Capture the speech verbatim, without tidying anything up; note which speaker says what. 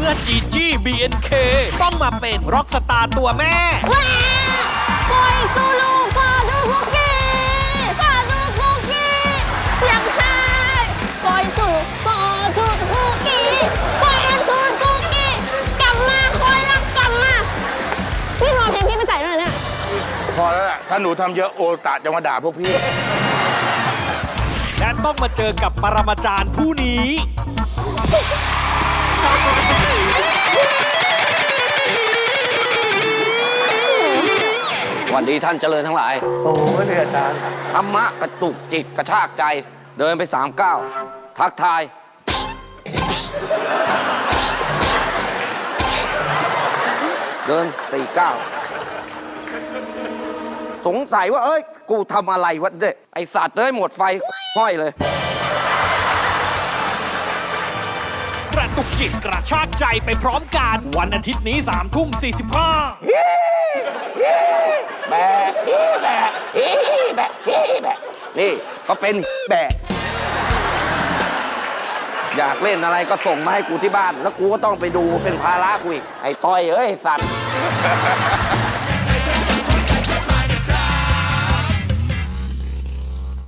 Speaker 1: มื่อจีจี้ บี เอ็น เค ต้องมาเป็นร็อกสตาร์ตัวแม่
Speaker 2: ว้าปล่อยซูลูฟาดูคุกกี้ฟาดูคุกกี้เสียงไทยปล่อยซูลูฟาดูคุกกี้ปล่อยอันทูนคุกกี้กลับมาคอยรักกลับมาพี่รอเพลงพี่ไปใส่ด้วยเนี่ย
Speaker 3: พอแล้วล่ะถ้าหนูทำเยอะโอตะจะมาด่าพวกพี่
Speaker 1: และต้องมาเจอกับปรมาจารย์ผู้นี้
Speaker 4: สวัสดีท่านเจริญทั้งหลาย
Speaker 5: โอ้ยเนี่ยอาจารย์
Speaker 4: ธรรมะกระตุกจิตกระชากใจ เดินไปสามก้าวทักทาย เดินสี่ก้าวสงสัยว่าเอ้ยกูทำอะไรวะเด็กไอสัตว์เอ้ยหมดไฟห้อยเลย
Speaker 1: กระตุกจิตกระชากใจไปพร้อมกันวันอาทิตย์นี้สามทุ่มสี่สิบห้า
Speaker 4: แบะแบะแบะแบะนี่ก็เป็นแบะอยากเล่นอะไรก็ส่งมาให้กูที่บ้านแล้วกูก็ต้องไปดูเป็นภาระกูอีกไอ้ต้อยเอ้ยสัตว์